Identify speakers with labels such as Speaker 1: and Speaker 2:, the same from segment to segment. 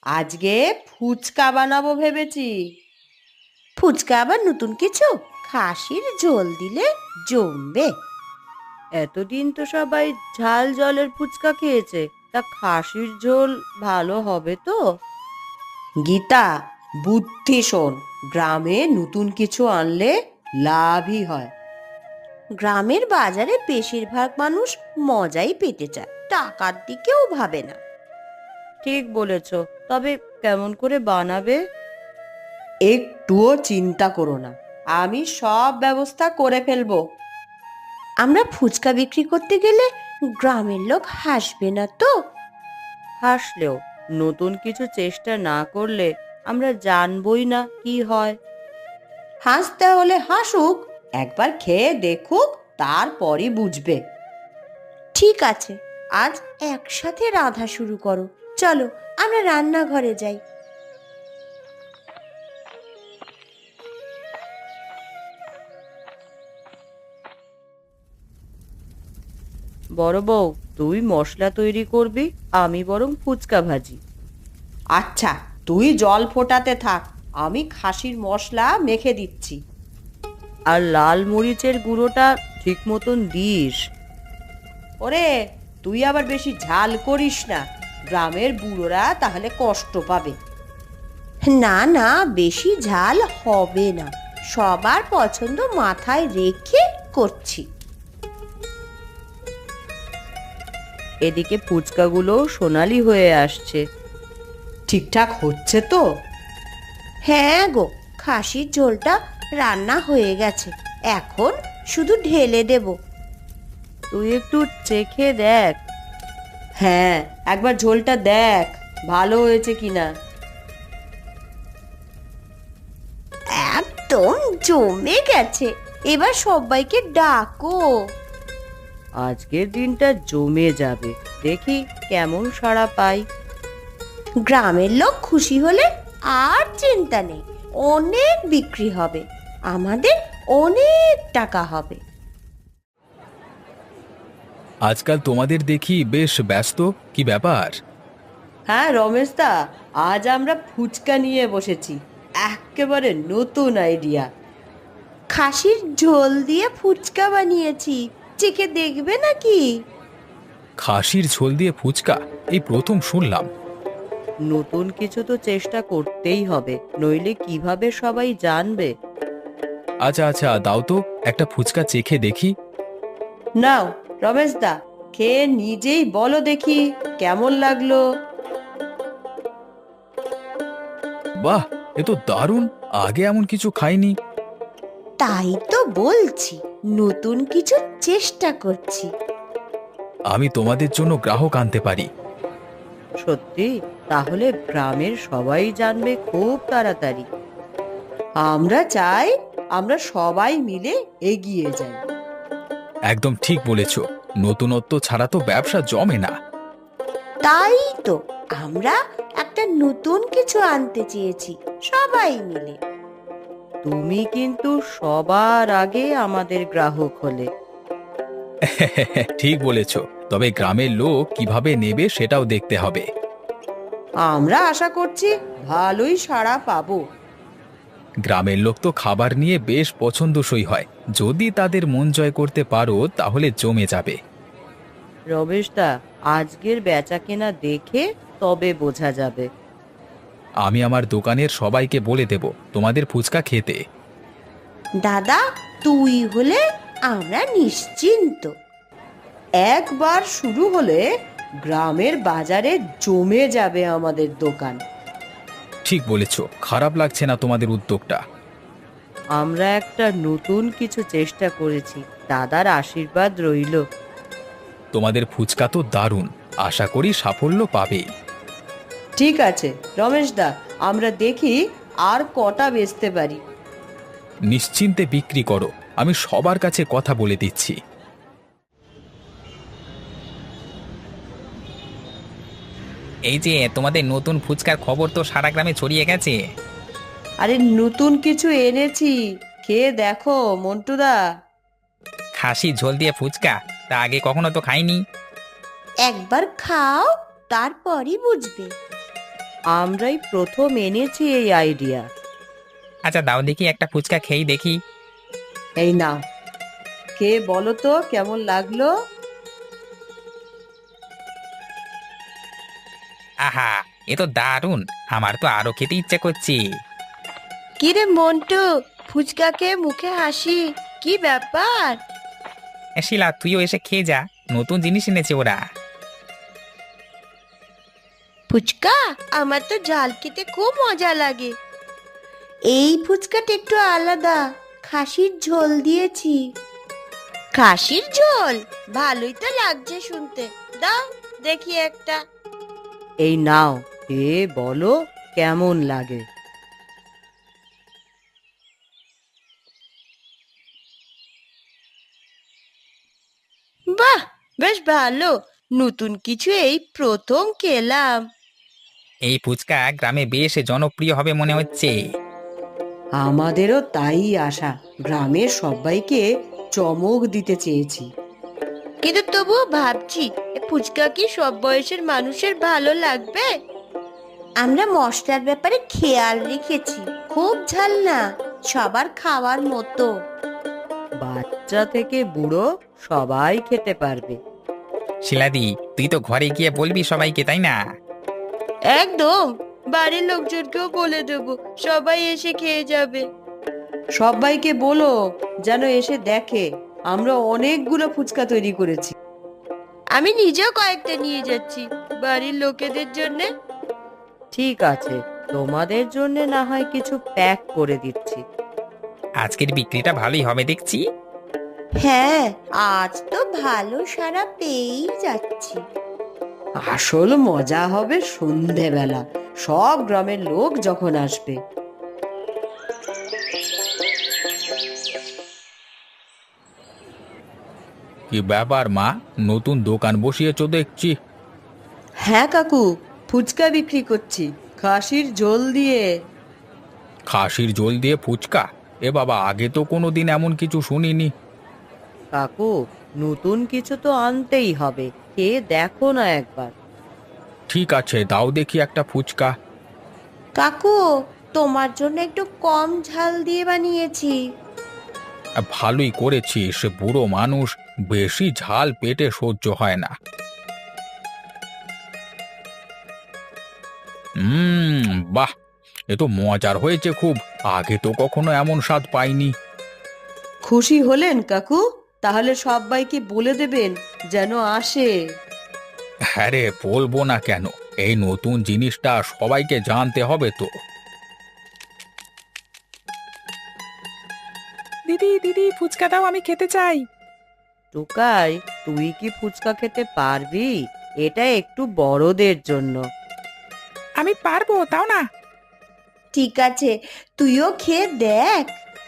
Speaker 1: আজকে ফুচকা বানাবো ভেবেছি।
Speaker 2: ফুচকা আবার নতুন কিছু? খাসির ঝোল দিলে জমবে।
Speaker 1: এতদিন তো সবাই ঝাল জলের ফুচকা খেয়েছে, তা খাসির ঝোল ভালো হবে তো? গীতা, বুদ্ধি শোন, গ্রামে নতুন কিছু আনলে লাভই হয়।
Speaker 2: গ্রামের বাজারে বেশিরভাগ মানুষ মজাই পেতে চায়, টাকার দিকেও ভাবে না।
Speaker 1: ঠিক বলেছ, তবে কেমন করে বানাবে? একটুও চিন্তা করো না, আমি সব ব্যবস্থা করে ফেলবো।
Speaker 2: আমরা ফুচকা বিক্রি করতে গেলে গ্রামের লোক হাসবে না তো?
Speaker 1: হাসলেও নতুন কিছু চেষ্টা না করলে আমরা জানবই না কি হয়। হাসতে হলে হাসুক, একবার খেয়ে দেখুক, তারপরই বুঝবে।
Speaker 2: ঠিক আছে, আজ একসাথে রাঁধা শুরু করো। চলো আমরা রান্নাঘরে যাই।
Speaker 1: বড় বউ, তুই মশলা তৈরি করবি, আমি বরং ফুচকা ভাজি। আচ্ছা, তুই জল ফোটাতে থাক, আমি খাসির মশলা মেখে দিচ্ছি। আর লাল মরিচের গুঁড়োটা ঠিক মতন দিস। ওরে, তুই আবার বেশি ঝাল করিস না, গ্রামের বুড়োরা তাহলে কষ্ট পাবে।
Speaker 2: না না, বেশি ঝাল হবে না, সবার পছন্দ মাথায় রেখে করছি।
Speaker 1: এদিকে ফুচকাগুলো সোনালি হয়ে আসছে। ঠিকঠাক হচ্ছে তো?
Speaker 2: হ্যাঁ গো, খাসির ঝোলটা রান্না হয়ে গেছে, এখন শুধু ঢেলে দেব।
Speaker 1: তুই একটু চেখে দেখ। হ্যাঁ, একবার ঝোলটা দেখ ভালো হয়েছে কিনা।
Speaker 2: একদম জমে গেছে, এবার সবাইকে ডাকো।
Speaker 1: আজকের দিনটা জমে যাবে, দেখি কেমন সাড়া পাই।
Speaker 2: গ্রামের লোক খুশি হলে আর চিন্তা নেই, অনেক বিক্রি হবে, আমাদের অনেক টাকা হবে।
Speaker 3: আজকাল তোমাদের দেখি বেশ ব্যস্ত, কি ব্যাপার?
Speaker 1: হ্যাঁ রমেশ দা, আজ আমরা ফুচকা নিয়ে বসেছি, একেবারে নতুন আইডিয়া।
Speaker 2: খাসির ঝোল দিয়ে ফুচকা বানিয়েছি, চেখে দেখবে নাকি?
Speaker 3: খাসির ঝোল দিয়ে ফুচকা এই প্রথম শুনলাম।
Speaker 1: নতুন কিছু তো চেষ্টা করতেই হবে, নইলে কিভাবে সবাই জানবে।
Speaker 3: আচ্ছা আচ্ছা, দাও তো একটা ফুচকা চেখে দেখি।
Speaker 1: নাও রমেশ দা, খেয়ে নিজেই বলো দেখি কেমন লাগলো।
Speaker 3: বাহ, এ তো দারুণ, আগে এমন কিছু খাইনি।
Speaker 2: তাই তো বলছি, নতুন কিছু চেষ্টা করছি।
Speaker 3: আমি তোমাদের জন্য গ্রাহক আনতে পারি।
Speaker 1: সত্যি? তাহলে গ্রামের সবাই জানবে খুব তাড়াতাড়ি। আমরা চাই আমরা সবাই মিলে এগিয়ে যাই।
Speaker 3: একদম ঠিক বলেছ, নতুনত্ব ছাড়া তো ব্যবসা জমে না।
Speaker 2: তাই তো আমরা একটা নতুন কিছু আনতে চেয়েছি, সবাই মিলে।
Speaker 1: তুমি কিন্তু সবার আগে আমাদের গ্রাহক হলে।
Speaker 3: ঠিক বলেছ, তবে গ্রামের লোক কিভাবে নেবে সেটাও দেখতে হবে।
Speaker 1: আমরা আশা করছি ভালোই সাড়া পাবো।
Speaker 3: গ্রামের লোক তো খাবার নিয়ে বেশ পছন্দসই হয়, যদি তাদের মন জয় করতে পারো তাহলে জমে যাবে।
Speaker 1: রমেশ দা, আজকের বেচা কেনা দেখে তবে বোঝা যাবে।
Speaker 3: আমি আমার দোকানের সবাইকে বলে দেব তোমাদের ফুচকা খেতে।
Speaker 2: দাদা, তুই হলে আমরা নিশ্চিন্ত।
Speaker 1: একবার শুরু হলে গ্রামের বাজারে জমে যাবে আমাদের দোকান।
Speaker 3: ঠিক বলেছ, খারাপ লাগছে না তোমাদের উদ্যোগটা।
Speaker 1: আমরা একটা নতুন কিছু চেষ্টা করেছি, দাদার আশীর্বাদ রইল।
Speaker 3: তোমাদের ফুচকা তো দারুণ, আশা করি সাফল্য পাবে।
Speaker 1: ঠিক আছে রমেশ দা, আমরা দেখি আর কটা বেচতে পারি।
Speaker 3: নিশ্চিন্তে বিক্রি করো, আমি সবার কাছে কথা বলে দিচ্ছি।
Speaker 4: এই যে তোমাদের নতুন ফুচকার খবর তো সারা গ্রামে ছড়িয়ে গেছে।
Speaker 1: আরে নতুন কিছু এনেছি, খেয়ে দেখো মন্টুদা।
Speaker 4: খাসি ঝোল দিয়ে ফুচকা, তা আগে কখনো তো খাইনি।
Speaker 2: একবার খাও, তারপরই বুঝবে।
Speaker 1: আমরাই প্রথম এনেছি এই আইডিয়া।
Speaker 4: আচ্ছা দাও দেখি, একটা ফুচকা খেয়েই দেখি।
Speaker 1: এই নাও, কে বলো তো কেমন লাগলো?
Speaker 4: আহা, এ তো দারুণ, আমার তো আরো খেতে ইচ্ছে করছে।
Speaker 2: কিরে মন্টু, ফুচকা খেয়ে মুখে হাসি, কি ব্যাপার?
Speaker 4: শিলা, তুইও এসে খেয়ে যা, নতুন জিনিস এনেছে ওরা।
Speaker 2: ফুচকা আমার তো ঝাল খেতে খুব মজা লাগে। এই ফুচকাটা একটু আলাদা, খাসির ঝোল দিয়েছি। খাসির ঝোল ভালোই তো লাগছে শুনতে, দাও দেখি একটা।
Speaker 1: এই নাও, কে বলো কেমন লাগে।
Speaker 2: বাহ, বেশ ভালো, নতুন কিছু এই প্রথম খেলাম।
Speaker 4: এই ফুচকা গ্রামে বেশ জনপ্রিয় হবে মনে হচ্ছে।
Speaker 1: আমাদেরও তাই আশা, গ্রামের সবাইকে চমক দিতে চেয়েছি।
Speaker 2: কিন্তু তবুও ভাবছি এ ফুচকা কি সব বয়সের মানুষের ভালো লাগবে? আমরা মশলার ব্যাপারে খেয়াল রেখেছি, খুব ঝাল না, সবার খাওয়ার মতো।
Speaker 1: বাচ্চা থেকে বুড়ো সবাই খেতে পারবে।
Speaker 4: শিলাদি, তুই তো ঘরে গিয়ে বলবি সবাইকে, তাই না?
Speaker 2: একদম, বাড়ির লোকজনকেও বলে দেবো, সবাই এসে খেয়ে যাবে।
Speaker 1: সবাইকে বলো যেন এসে দেখে আমরা অনেকগুলো ফুচকা তৈরি করেছি।
Speaker 2: আমি নিজেও কয়েকটা নিয়ে যাচ্ছি বাড়ির লোকেদের জন্য।
Speaker 1: ঠিক আছে, তোমাদের জন্য না হয় কিছু প্যাক করে দিচ্ছি।
Speaker 4: আজকের বিক্রিটা ভালোই হবে দেখছি।
Speaker 2: হ্যাঁ, আজ তো ভালো সাড়া পেয়েই যাচ্ছি।
Speaker 1: আসল মজা হবে সন্ধেবেলা, সব গ্রামের লোক যখন আসবে।
Speaker 3: কি ব্যাপার মা, নতুন দোকান বসিয়েছো দেখছি।
Speaker 1: হ্যাঁ কাকু, ফুচকা বিক্রি করছি খাসির ঝোল দিয়ে।
Speaker 3: খাসির ঝোল দিয়ে ফুচকা? এ বাবা, আগে তো কোনোদিন এমন কিছু শুনিনি।
Speaker 1: কাকু, নতুন কিছু তো আনতেই হবে, খেয়ে দেখো না একবার।
Speaker 3: ঠিক আছে, দাও দেখি একটা ফুচকা।
Speaker 2: কাকু, তোমার জন্য একটু কম ঝাল দিয়ে বানিয়েছি।
Speaker 3: ভালোই করেছিস, বুড়ো মানুষ, বেশি ঝাল পেটে সহ্য হয় না। বাহ, এ তো মজার হয়েছে খুব, আগে তো কখনো এমন স্বাদ পাইনি।
Speaker 1: খুশি হলেন কাকু? তাহলে সবাইকে বলে দেবেন যেন আসে।
Speaker 3: হ্যাঁ রে, বলবো না কেন, এই নতুন জিনিসটা সবাইকে জানতে হবে তো।
Speaker 5: দিদি দিদি, ফুচকা দাও, আমি খেতে চাই।
Speaker 1: টুকাই, তুই কি ফুচকা খেতে পারবি? এটা একটু বড়দের জন্য।
Speaker 5: আমি পারবো, তাও না।
Speaker 2: ঠিক আছে, তুইও খেয়ে দেখ।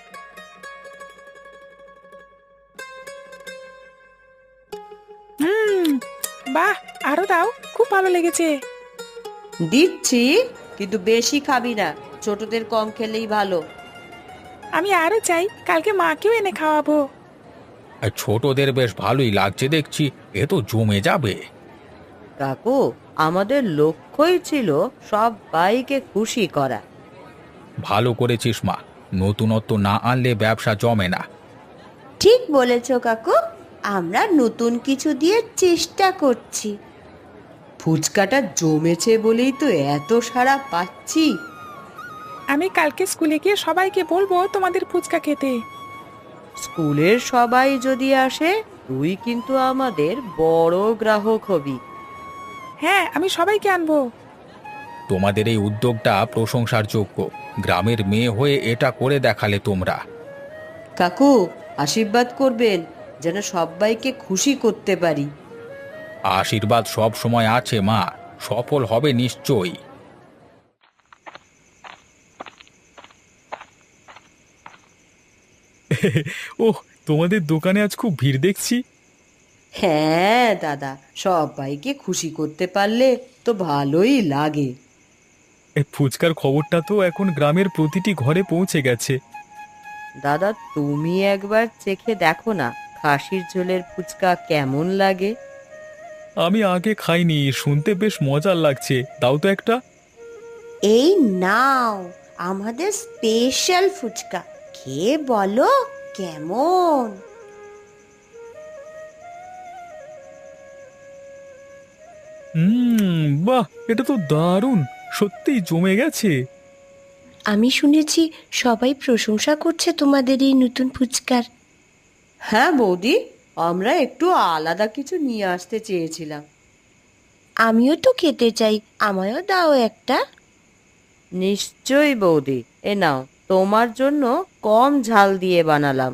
Speaker 5: হুম, বাহ, আরো দাও, খুব ভালো লেগেছে।
Speaker 1: দিচ্ছি, কিন্তু বেশি খাবি না, ছোটদের কম খেলেই ভালো।
Speaker 5: আমি আরো চাই, কালকে মাকেও এনে খাওয়াবো।
Speaker 3: আর ছোটদের বেশ ভালোই লাগছে দেখছি, এ তো জমে যাবে।
Speaker 1: কাকু, আমাদের লক্ষ্যই ছিল সবাইকে খুশি করা।
Speaker 3: ভালো করেছিস মা, নতুনত্ব না আনলে ব্যবসা জমে না।
Speaker 2: ঠিক বলেছ কাকু, আমরা নতুন কিছু দিয়ে চেষ্টা করছি।
Speaker 1: ফুচকাটা জমেছে বলেই তো এত সাড়া পাচ্ছি।
Speaker 5: আমি কালকে স্কুলে গিয়ে সবাইকে বলবো তোমাদের ফুচকা খেতে।
Speaker 1: স্কুলের সবাই যদি আসে, তুই কিন্তু আমাদের বড় গ্রাহক হবি।
Speaker 5: হ্যাঁ, আমি সবাইকে আনবো।
Speaker 3: তোমাদের এই উদ্যোগটা প্রশংসার যোগ্য, গ্রামের মেয়ে হয়ে এটা করে দেখালে তোমরা।
Speaker 1: কাকু, আশীর্বাদ করবেন যেন সবাইকে খুশি করতে পারি।
Speaker 3: আশীর্বাদ সব সময় আছে মা, সফল হবে নিশ্চয়ই। ওহ, তোমাদের দোকানে আজ খুব ভিড় দেখছি।
Speaker 1: হ্যাঁ দাদা, সবাইকে খুশি করতে পারলে তো ভালোই লাগে।
Speaker 3: এই ফুচকার খবরটা তো এখন গ্রামের প্রতিটি ঘরে পৌঁছে গেছে।
Speaker 1: দাদা, তুমি একবার চেখে দেখো না খাসির ঝোলের ফুচকা কেমন লাগে।
Speaker 3: আমি আগে খাইনি, শুনতে বেশ মজার লাগছে, দাও তো একটা।
Speaker 2: এই নাও আমাদের স্পেশাল ফুচকা, খেয়ে বলো কেমন।
Speaker 3: বাহ, এটা তো দারুণ, সত্যিই জমে গেছে।
Speaker 2: আমি শুনেছি সবাই প্রশংসা করছে তোমাদের এই নতুন ফুচকার।
Speaker 1: হ্যাঁ বৌদি, আমরা একটু আলাদা কিছু নিয়ে আসতে চেয়েছিলাম।
Speaker 2: আমিও তো খেতে চাই, আমায়ও দাও একটা।
Speaker 1: নিশ্চয়ই বৌদি, এ নাও, তোমার জন্য কম ঝাল দিয়ে বানালাম।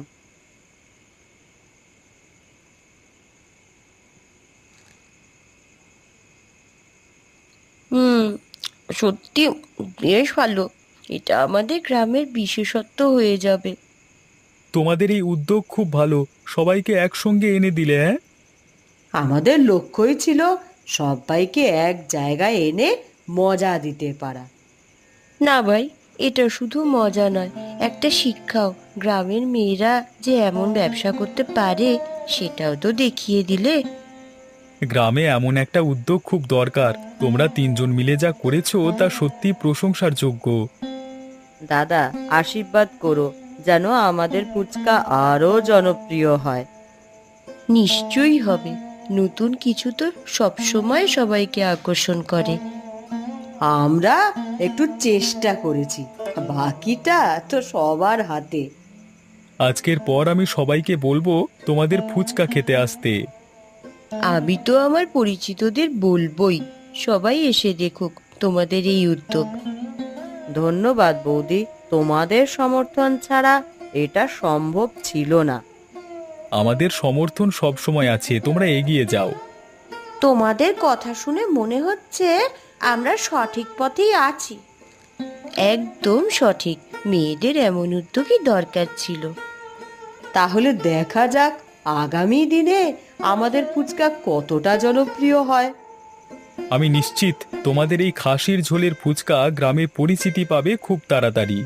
Speaker 2: হুম, সত্যি বেশ ভালো। এটা আমাদের গ্রামের বিশেষত্ব হয়ে যাবে।
Speaker 3: তোমাদের এই উদ্যোগ খুব ভালো, সবাইকে একসঙ্গে এনে দিলে। হ্যাঁ,
Speaker 1: আমাদের লক্ষ্যই ছিল সবাইকে এক জায়গায় এনে মজা দিতে পারা।
Speaker 2: না ভাই, এটা শুধু মজা নয়, একটা শিক্ষাও। গ্রামের মেয়েরা যে এমন ব্যবসা করতে পারে সেটাও তো দেখিয়ে দিলে।
Speaker 3: গ্রামে এমন একটা উদ্যোগ খুব দরকার। তোমরা তিনজন মিলে যা করেছো তা সত্যি প্রশংসার যোগ্য।
Speaker 1: দাদা, আশীর্বাদ করো যেন আমাদের ফুচকা আরো জনপ্রিয় হয়।
Speaker 2: নিশ্চয়ই হবে। নতুন কিছু তো সবসময় সবাইকে আকর্ষণ করে।
Speaker 1: আমরা একটু চেষ্টা করেছি, বাকিটা তো সবার হাতে।
Speaker 3: আজকের পর আমি সবাইকে বলবো তোমাদের ফুচকা খেতে আসতে।
Speaker 2: আমি তো আমার পরিচিতদের বলবোই, সবাই এসে দেখুক তোমাদের এই উদ্যোগ।
Speaker 1: ধন্যবাদ বৌদি, তোমাদের সমর্থন ছাড়া এটা সম্ভব ছিল না।
Speaker 3: আমাদের সমর্থন সবসময় আছে, তোমরা এগিয়ে যাও।
Speaker 2: তোমাদের কথা শুনে মনে হচ্ছে আমরা সঠিক পথেই আছি। একদম সঠিক, মেয়েদের এমন উদ্যোগই দরকার ছিল।
Speaker 1: তাহলে দেখা যাক আগামী দিনে আমাদের ফুচকা কতটা জনপ্রিয় হয়।
Speaker 3: আমি নিশ্চিত তোমাদের এই খাসির ঝোলের ফুচকা গ্রামে পরিচিতি পাবে খুব তাড়াতাড়ি।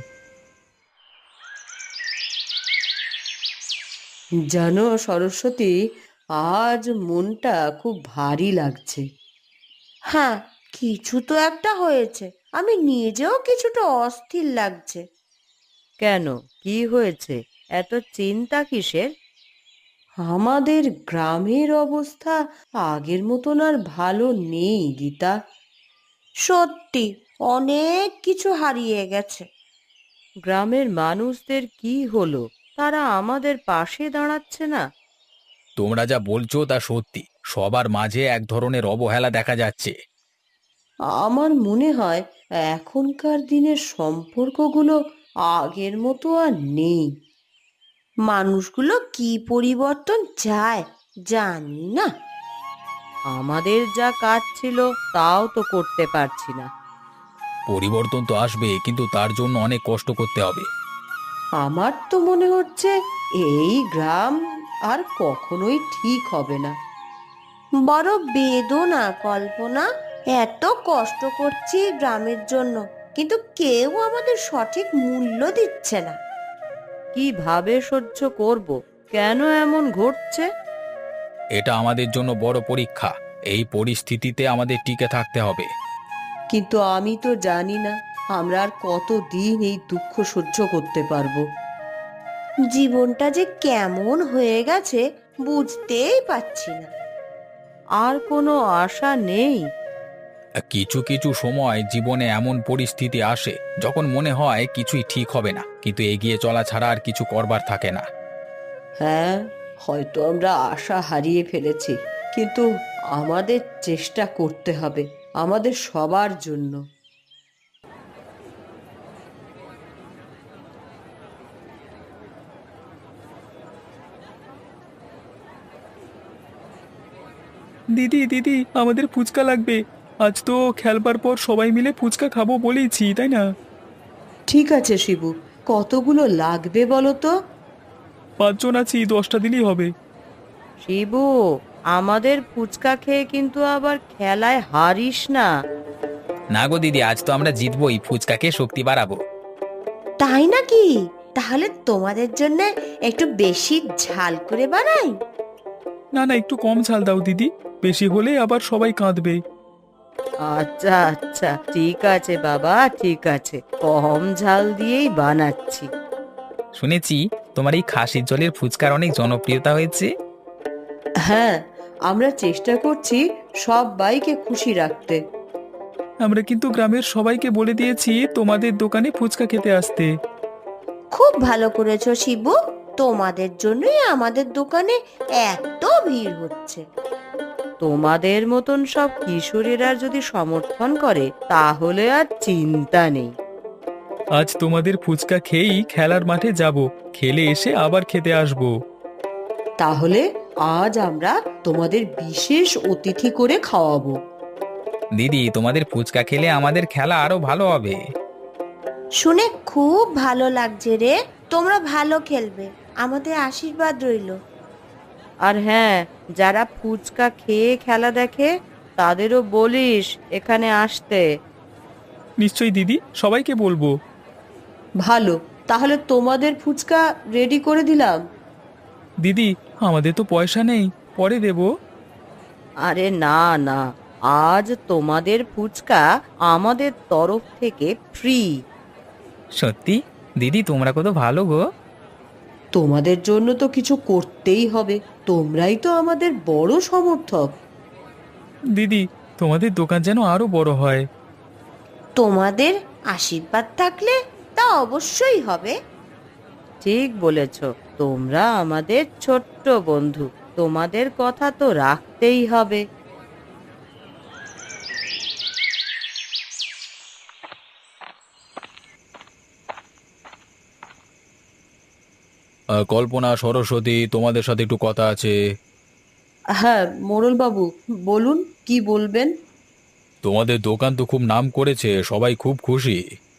Speaker 1: জানো সরস্বতী, আজ মনটা খুব ভারী লাগছে।
Speaker 2: হ্যাঁ, কিছু তো একটা হয়েছে। আমি নিজেও কিছুটা অস্থির লাগছে।
Speaker 1: কেন, কি হয়েছে? এত চিন্তা কিসের? আমাদের গ্রামের অবস্থা আগের মতন আর ভালো নেই গীতা।
Speaker 2: সত্যি অনেক কিছু হারিয়ে গেছে।
Speaker 1: গ্রামের মানুষদের কি হলো? তারা আমাদের পাশে দাঁড়াচ্ছে না।
Speaker 3: তোমরা যা বলছো তা সত্যি, সবার মাঝে এক ধরনের অবহেলা দেখা যাচ্ছে।
Speaker 1: আমার মনে হয় এখনকার দিনের সম্পর্কগুলো আগের মতো আর নেই।
Speaker 2: মানুষগুলো কি পরিবর্তন চায় জানি না।
Speaker 1: আমাদের যা কাজ ছিল তাও তো করতে পারছি না।
Speaker 3: পরিবর্তন তো আসবে, কিন্তু তার জন্য অনেক কষ্ট করতে হবে।
Speaker 1: আমার তো মনে হচ্ছে এই গ্রাম আর কখনোই ঠিক হবে না।
Speaker 2: বড় বেদনা কল্পনা। এত কষ্ট করছি গ্রামের জন্য, কিন্তু কেউ আমাদের সঠিক মূল্য দিচ্ছে না।
Speaker 1: কিভাবে সহ্য করব? কেন এমন ঘটছে?
Speaker 3: এটা আমাদের জন্য বড় পরীক্ষা। এই পরিস্থিতিতে আমাদের টিকে থাকতে হবে।
Speaker 1: কিন্তু আমি তো জানি না আমরা আর কতদিন এই দুঃখ সহ্য করতে পারবো।
Speaker 2: জীবনটা যে কেমন হয়ে গেছে বুঝতেই পারছি না।
Speaker 1: আর কোনো আশা নেই।
Speaker 3: কিছু কিছু সময় জীবনে এমন পরিস্থিতি আসে যখন মনে হয় কিছুই ঠিক হবে না, কিন্তু এগিয়ে চলা ছাড়া আর কিছু করবার থাকে না।
Speaker 1: হ্যাঁ, হয়তো আমরা আশা হারিয়ে ফেলেছি, কিন্তু আমাদের চেষ্টা করতে হবে আমাদের সবার জন্য।
Speaker 3: দিদি দিদি, আমাদের ফুচকা লাগবে। আজ তো খেলবার পর সবাই মিলে ফুচকা খাবো বলেইছি, তাই না?
Speaker 1: ঠিক আছে শিবু, কতগুলো লাগবে বলো তো?
Speaker 3: 5 জন আছি, 10টা দিলেই হবে।
Speaker 1: শিবু, আমাদের ফুচকা খেয়ে কিন্তু আবার খেলায় হারিস না।
Speaker 4: না গো দিদি, আজ তো আমরা জিতবই, ফুচকাকে শক্তি বাড়াবো।
Speaker 2: তাই নাকি? তাহলে তোমাদের জন্য একটু বেশি ঝাল করে বানাই।
Speaker 3: না না, একটু কম ঝাল দাও দিদি, বেশি হলে আবার সবাই কাঁদবে।
Speaker 1: আচ্ছা আচ্ছা, ঠিক আছে বাবা, ঠিক আছে, কম ঝাল দিয়েই বানাচ্ছি।
Speaker 4: শুনেছি তোমার এই খাসির জলের ফুচকার অনেক জনপ্রিয়তা হয়েছে।
Speaker 1: হ্যাঁ, আমরা চেষ্টা করছি সবাইকে খুশি রাখতে।
Speaker 3: আমরা কিন্তু গ্রামের সবাইকে বলে দিয়েছি তোমাদের দোকানে ফুচকা খেতে আসতে।
Speaker 2: খুব ভালো করেছো শিবু, তোমাদের জন্যই আমাদের দোকানে এত ভিড় হচ্ছে।
Speaker 1: তোমাদের মতন সব কিশোরেরা যদি সমর্থন করে তাহলে আর চিন্তা নেই।
Speaker 3: আজ তোমাদের ফুচকা খেয়েই খেলার মাঠে যাব, খেলে এসে আবার খেতে আসবো।
Speaker 1: তাহলে আজ আমরা তোমাদের বিশেষ অতিথি করে খাওয়াবো।
Speaker 4: দিদি, তোমাদের ফুচকা খেলে আমাদের খেলা আরো ভালো হবে।
Speaker 2: শুনে খুব ভালো লাগছে রে, তোমরা ভালো খেলবে, আমাদের আশীর্বাদ রইলো।
Speaker 1: আর হ্যাঁ, যারা ফুচকা খেয়ে খেলা দেখে তাদেরও বলিস এখানে আসতে।
Speaker 3: নিশ্চয়ই দিদি, সবাইকে বলবো।
Speaker 1: ভালো, তাহলে তোমাদের ফুচকা রেডি করে দিলাম।
Speaker 3: দিদি, আমাদের তো পয়সা নেই, পরে দেবো।
Speaker 1: আরে না না, আজ তোমাদের ফুচকা আমাদের তরফ থেকে ফ্রি।
Speaker 4: সত্যি দিদি, তোমরা কত ভালো গো।
Speaker 1: তোমাদের জন্য তো কিছু করতেই হবে, তোমরাই তো আমাদের বড় সমর্থক।
Speaker 3: দিদি, তোমাদের দোকান যেন আরো বড় হয়।
Speaker 2: তোমাদের আশীর্বাদ থাকলে তা অবশ্যই হবে।
Speaker 1: ঠিক বলেছ, তোমরা আমাদের ছোট্ট বন্ধু, তোমাদের কথা তো রাখতেই হবে।
Speaker 3: কল্পনা, সরস্বতী, তোমাদের সাথে একটু কথা আছে।
Speaker 1: হ্যাঁ মোড়ল বাবু, বলুন কি বলবেন।
Speaker 3: তোমাদের দোকান তো খুব নাম করেছে, সবাই খুব খুশি।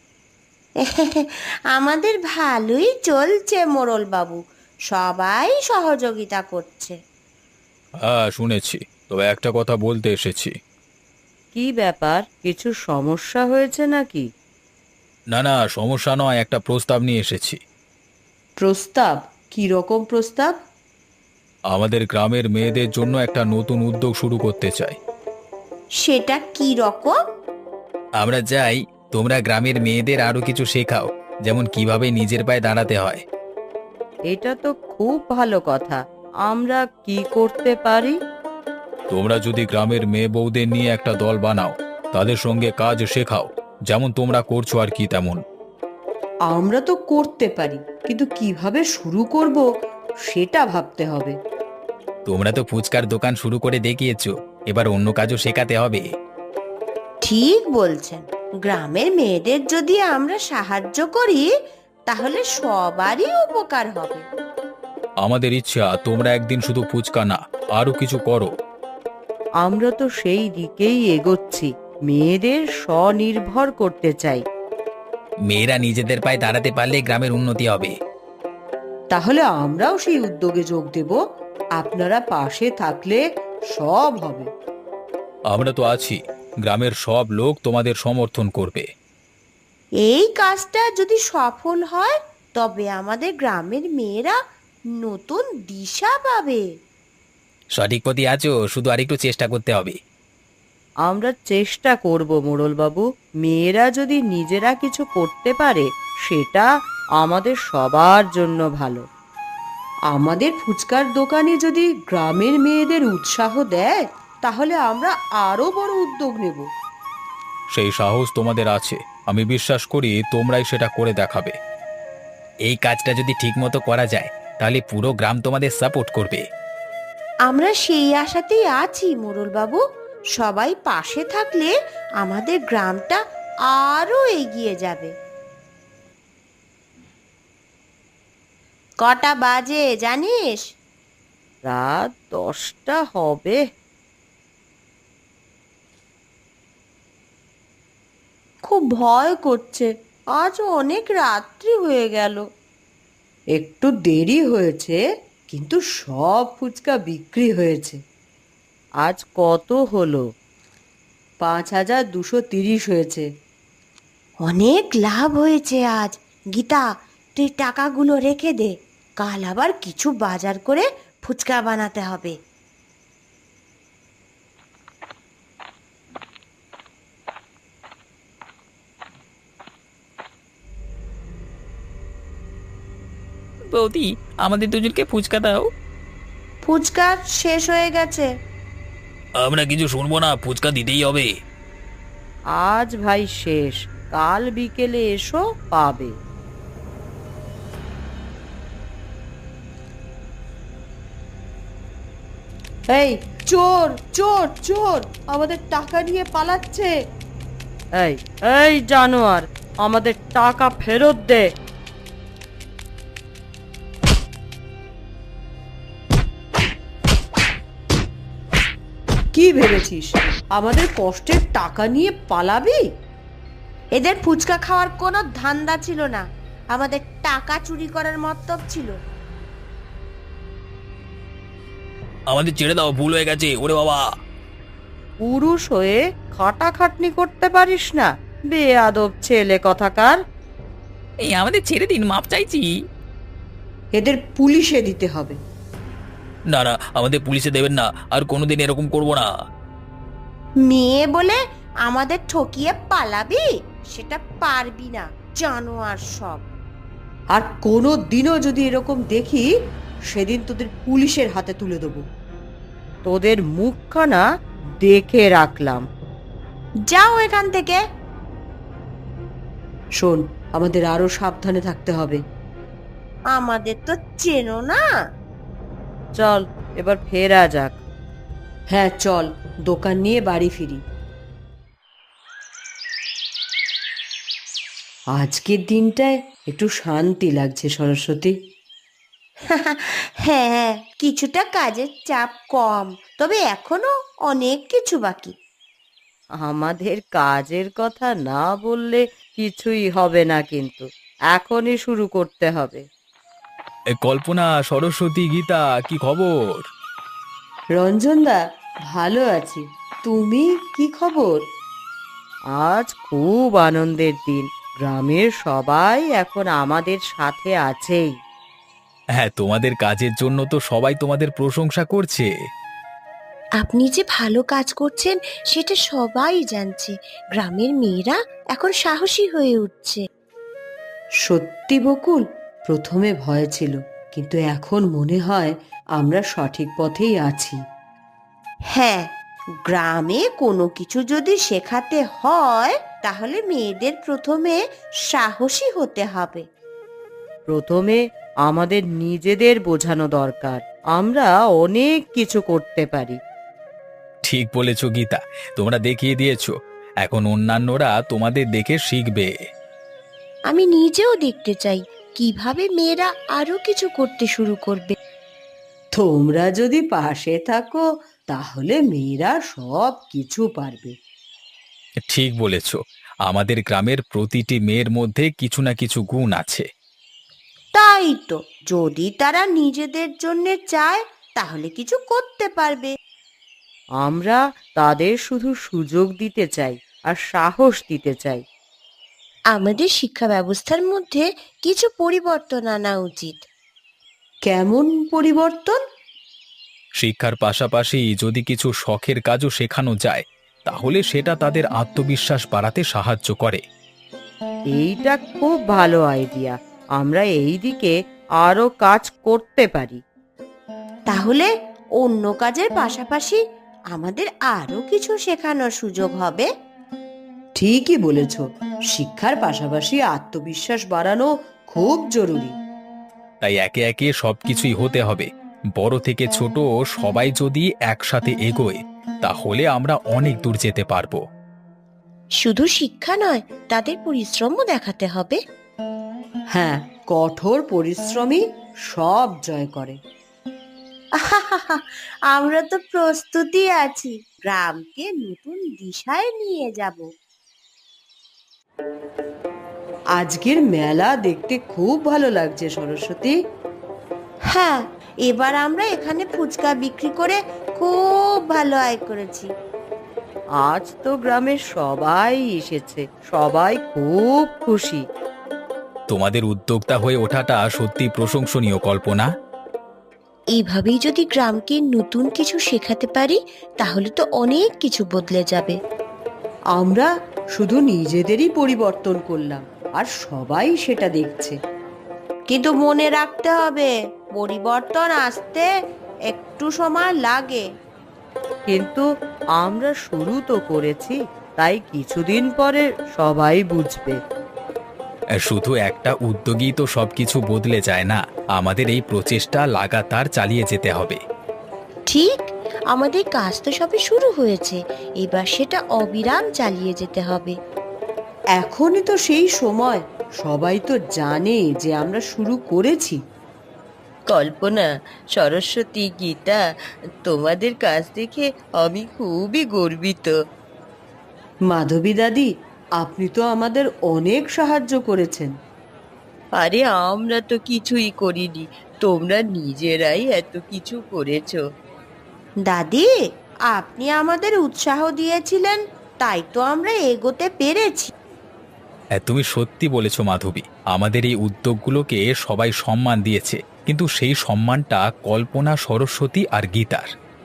Speaker 2: আমাদের ভালোই চলছে মোড়ল বাবু, সবাই সহযোগিতা করছে।
Speaker 3: হ্যাঁ শুনেছি, তবে একটা কথা বলতে এসেছি।
Speaker 1: কি ব্যাপার, কিছু সমস্যা হয়েছে নাকি?
Speaker 3: না না, সমস্যা নয়, একটা প্রস্তাব নিয়ে এসেছি।
Speaker 1: প্রস্তাব? কি রকম প্রস্তাব?
Speaker 3: আমাদের গ্রামের মেয়েদের জন্য একটা নতুন উদ্যোগ শুরু করতে চাই।
Speaker 2: সেটা কি রকম?
Speaker 4: আমরা চাই তোমরা গ্রামের মেয়েদের আরো কিছু শেখাও, যেমন কিভাবে নিজের পায়ে দাঁড়াতে হয়।
Speaker 1: এটা তো খুব ভালো কথা, আমরা কি করতে পারি?
Speaker 3: তোমরা যদি গ্রামের মেয়ে বউদের নিয়ে একটা দল বানাও, তাদের সঙ্গে কাজ শেখাও, যেমন তোমরা করছো আর কি তেমন।
Speaker 1: আমরা তো করতে পারি, কিন্তু কিভাবে শুরু করব সেটা ভাবতে হবে।
Speaker 4: তোমরা তো ফুচকার দোকান শুরু করে দেখিয়েছো, এবার অন্য কাজও শেখাতে হবে।
Speaker 2: ঠিক বলছেন, গ্রামের মেয়েদের যদি আমরা সাহায্য করি তাহলে সবারই উপকার হবে।
Speaker 3: আমাদের ইচ্ছা তোমরা একদিন শুধু ফুচকা না, আরো কিছু করো।
Speaker 1: আমরা তো সেই দিকেই এগোচ্ছি, মেয়েদের স্বনির্ভর করতে চাই।
Speaker 4: মেয়েরা নিজেদের পায়ে দাঁড়াতে পারলে গ্রামের উন্নতি হবে।
Speaker 1: তাহলে আমরাও সেই উদ্যোগে যোগ দেব, আপনারা পাশে থাকলে সব হবে।
Speaker 3: আমরা তো আছি, গ্রামের সব লোক তোমাদের সমর্থন করবে।
Speaker 2: এই কাজটা যদি সফল হয় তবে আমাদের গ্রামের মেয়েরা নতুন দিশা পাবে।
Speaker 4: সঠিক পথে আছো, শুধু আরেকটু চেষ্টা করতে হবে।
Speaker 1: আমরা চেষ্টা করব মোড়ল বাবু, মেয়েরা যদি নিজেরা কিছু করতে পারে সেটা আমাদের সবার জন্য ভালো। আমাদের ফুচকার দোকানে যদি গ্রামের মেয়েদের উৎসাহ দেয় তাহলে আমরা আরো বড় উদ্যোগ নেব।
Speaker 3: সেই সাহস তোমাদের আছে, আমি বিশ্বাস করি তোমরাই সেটা করে দেখাবে।
Speaker 4: এই কাজটা যদি ঠিকমতো করা যায় তাহলে পুরো গ্রাম তোমাদের সাপোর্ট করবে।
Speaker 2: আমরা সেই আশাতেই আছি মোড়ল বাবু, সবাই পাশে থাকলে আমাদের গ্রামটা আরো এগিয়ে যাবে। কটা বাজে জানিস?
Speaker 1: রাত 10টা হবে।
Speaker 2: খুব ভয় করছে, আজ অনেক রাত্রি হয়ে গেল।
Speaker 1: একটু দেরি হয়েছে, কিন্তু সব ফুচকা বিক্রি হয়েছে। আজ কত হলো? 5230 হয়েছে।
Speaker 2: অনেক লাভ হয়েছে আজ। গীতা, তুই টাকাগুলো রেখে দে, কাল আবার কিছু বাজার করে ফুচকা বানাতে হবে।
Speaker 4: বৌদি, আমাদের দুজনকে ফুচকা দাও।
Speaker 2: ফুচকা শেষ হয়ে গেছে।
Speaker 4: আমরা কিছু শুনবো না, ফুচকা দিতেই হবে।
Speaker 1: আজ ভাই শেষ, কাল বিকেলে এসো, পাবে। এই চোর চোর চোর, আমাদের টাকা নিয়ে পালাচ্ছে। এই এই জানোয়ার, আমাদের টাকা ফেরত দে। কি ভেবেছিস আমাদের কষ্টের টাকা নিয়ে পালাবি?
Speaker 2: এদের ফুচকা খাওয়ার কোনো ধান্দা ছিল না, আমাদের টাকা চুরি করার মতলব ছিল।
Speaker 4: আমাদের ছেড়ে দাও, ভুল হয়ে গেছে। ওরে বাবা!
Speaker 1: পুরুষ হয়ে খাটাখাটনি করতে পারিস না, বেয়াদব ছেলে কথাকার।
Speaker 4: এই আমাদের ছেড়ে দিন, মাপ চাইছি।
Speaker 1: এদের পুলিশে দিতে হবে।
Speaker 4: না না, আমাদের পুলিশে দেবেন না, আর কোনোদিন এরকম করব না।
Speaker 2: মেয়ে বলে আমাদের ঠকিয়ে পালাবি? সেটা পারবি না, জানোয়ার সব।
Speaker 1: আর কোনো দিনও যদি এরকম দেখি, সেদিন তোদের পুলিশের হাতে তুলে দেবো। তোদের মুখখানা দেখে রাখলাম।
Speaker 2: যাও এখান থেকে।
Speaker 1: শোন, আমাদের আরো সাবধানে থাকতে হবে।
Speaker 2: আমাদের তো চেনো না।
Speaker 1: চল এবার ফেরা যাক। হ্যাঁ চল, দোকান নিয়ে বাড়ি ফিরি। আজকের দিনটায় একটু শান্তি লাগছে সরস্বতী।
Speaker 2: হ্যাঁ, কিছুটা কাজের চাপ কম, তবে এখনো অনেক কিছু বাকি।
Speaker 1: আমাদের কাজের কথা না বললে কিছুই হবে না, কিন্তু এখনই শুরু করতে হবে।
Speaker 3: কল্পনা, সরস্বতী, গীতা, কি খবর?
Speaker 1: রঞ্জনদা, ভালো আছি। তুমি কি খবর? আজ খুব আনন্দের দিন, গ্রামের সবাই এখন আমাদের সাথে আছেই।
Speaker 3: হ্যাঁ, তোমাদের কাজের জন্য তো সবাই তোমাদের প্রশংসা করছে।
Speaker 2: আপনি যে ভালো কাজ করছেন সেটা সবাই জানছে। গ্রামের মেয়েরা এখন সাহসী হয়ে উঠছে।
Speaker 1: সত্যি বকুল, প্রথমে ভয় ছিল, কিন্তু এখন মনে হয় আমরা সঠিক পথেই আছি।
Speaker 2: হ্যাঁ, গ্রামে কোনো কিছু যদি শেখাতে হয় তাহলে মেয়েদের প্রথমে সাহসী হতে হবে।
Speaker 1: প্রথমে আমাদের নিজেদের বোঝানো দরকার আমরা অনেক কিছু করতে পারি।
Speaker 3: ঠিক বলেছ গীতা, তোমরা দেখিয়ে দিয়েছো, এখন অন্যান্যরা তোমাদের দেখে শিখবে।
Speaker 2: আমি নিজেও দেখতে চাই কিভাবে মেয়েরা আরো কিছু করতে শুরু করবে।
Speaker 1: তোমরা যদি পাশে থাকো তাহলে মেয়েরা সব কিছু পারবে।
Speaker 3: ঠিক বলেছ, আমাদের গ্রামের প্রতিটি মেয়ের মধ্যে কিছু না কিছু গুণ আছে।
Speaker 2: তাই তো, যদি তারা নিজেদের জন্য চায় তাহলে কিছু করতে পারবে।
Speaker 1: আমরা তাদের শুধু সুযোগ দিতে চাই আর সাহস দিতে চাই।
Speaker 2: আমাদের শিক্ষা ব্যবস্থার মধ্যে কিছু পরিবর্তন আনা উচিত।
Speaker 1: কেমন পরিবর্তন?
Speaker 3: শিক্ষার পাশাপাশি যদি কিছু শখের কাজও শেখানো যায়, তাহলে সেটা তাদের আত্মবিশ্বাস বাড়াতে সাহায্য করে।
Speaker 1: এইটা খুব ভালো আইডিয়া, আমরা এই দিকে আরো কাজ করতে পারি।
Speaker 2: তাহলে অন্য কাজের পাশাপাশি আমাদের আরো কিছু শেখানোর সুযোগ হবে।
Speaker 1: ঠিকই বলেছ, শিক্ষার পাশাপাশি আত্মবিশ্বাস বাড়ানো খুব জরুরি।
Speaker 3: তাই একে একে সবকিছুই হতে হবে। বড় থেকে ছোট সবাই যদি একসাথে এগোয়, তাহলে আমরা অনেক দূর যেতে পারবো।
Speaker 2: শুধু শিক্ষা নয়, তাদের পরিশ্রমও দেখাতে হবে।
Speaker 1: হ্যাঁ, কঠোর পরিশ্রমী সব জয় করে।
Speaker 2: আমরা তো প্রস্তুতি আছি, গ্রামকে নতুন দিশায় নিয়ে যাব।
Speaker 1: আজকের মেলা দেখতে খুব ভালো লাগছে সরস্বতী।
Speaker 2: হ্যাঁ, এবার আমরা এখানে ফুচকা বিক্রি করে খুব ভালো আয় করেছি।
Speaker 1: আজ তো গ্রামের সবাই এসেছে, সবাই খুব খুশি।
Speaker 3: তোমাদের উদ্যোক্তা হয়ে ওঠাটা সত্যি প্রশংসনীয়, কল্পনা।
Speaker 2: এইভাবেই যদি গ্রামকে নতুন কিছু শেখাতে পারি তাহলে তো অনেক কিছু বদলে যাবে।
Speaker 1: আমরা শুধু নিজেদেরই পরিবর্তন করলাম, আর সবাই সেটা দেখছে।
Speaker 2: কিন্তু মনে রাখতে হবে পরিবর্তন আসতে একটু সময় লাগে।
Speaker 1: কিন্তু আমরা শুরু তো করেছি, তাই কিছুদিন পরে সবাই বুঝবে।
Speaker 3: শুধু একটা উদ্যোগই তো সবকিছু বদলে যায় না, আমাদের এই প্রচেষ্টা লাগাতার চালিয়ে যেতে হবে।
Speaker 2: ঠিক, আমাদের কাজ তো সবে শুরু হয়েছে, এবার সেটা অবিরাম চালিয়ে যেতে হবে।
Speaker 1: এখনই তো সেই সময়, সবাই তো জানে যে আমরা শুরু করেছি।
Speaker 2: কল্পনা, সরস্বতী, গীতা, তোমাদের কাজ দেখে আমি খুবই গর্বিত।
Speaker 1: মাধবী দাদি, আপনি তো আমাদের অনেক সাহায্য করেছেন।
Speaker 2: আরে আমরা তো কিছুই করিনি, তোমরা নিজেরাই এত কিছু করেছো। দাদি, আপনি আমাদের উৎসাহ দিয়েছিলেন, তাই তো আমরা এগোতে পেরেছি।
Speaker 3: তুমি সত্যি বলেছ মাধবী, আমাদের এই উদ্যোগগুলোকে সবাই সম্মান দিয়েছে, কিন্তু সেই সম্মানটা কল্পনা, সরস্বতী আর গীতার।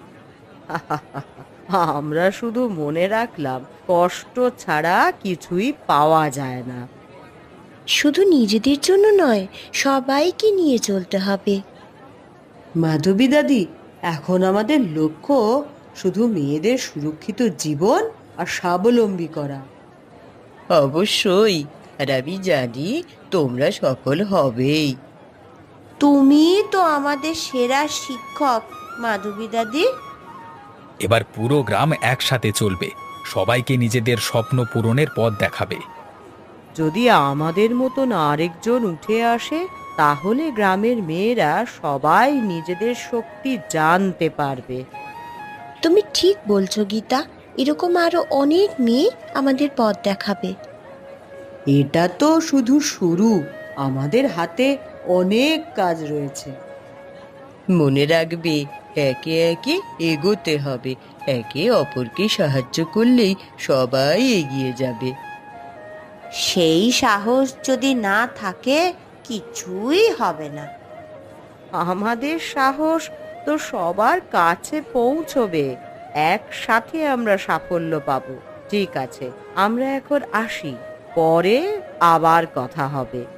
Speaker 1: আমরা শুধু মনে রাখলাম কষ্ট ছাড়া কিছুই পাওয়া যায় না।
Speaker 2: শুধু নিজেদের জন্য নয়, সবাইকে নিয়ে চলতে হবে।
Speaker 1: মাধবী দাদি, এখন আমাদের লক্ষ্য শুধু মেয়েদের সুরক্ষিত জীবন আর স্বাবলম্বী করা।
Speaker 2: অবশ্যই, আর আমি জানি তোমরা সফল হবেই। তুমি তো আমাদের সেরা শিক্ষক মাধবী দাদি।
Speaker 3: এবার পুরো গ্রাম একসাথে চলবে, সবাইকে নিজেদের স্বপ্ন পূরণের পথ দেখাবে।
Speaker 1: যদি আমাদের মতন আরেকজন উঠে আসে, তাহলে গ্রামের মেয়েরা সবাই নিজেদের শক্তি জানতে পারবে।
Speaker 2: তুমি ঠিক বলছো গীতা, এরকম আরো অনেক মেয়ে আমাদের পথ দেখাবে।
Speaker 1: এটা তো শুধু শুরু, আমাদের হাতে অনেক কাজ রয়েছে।
Speaker 2: মনে রাখবে, একে একে এগোতে হবে, একে অপরকে সাহায্য করলেই সবাই এগিয়ে যাবে। সেই সাহস যদি না থাকে কিছুই হবে না।
Speaker 1: আমাদের সাহস তো সবার কাছে পৌঁছবে, একসাথে আমরা সাফল্য পাবো। ঠিক আছে, আমরা এখন আসি, পরে আবার কথা হবে।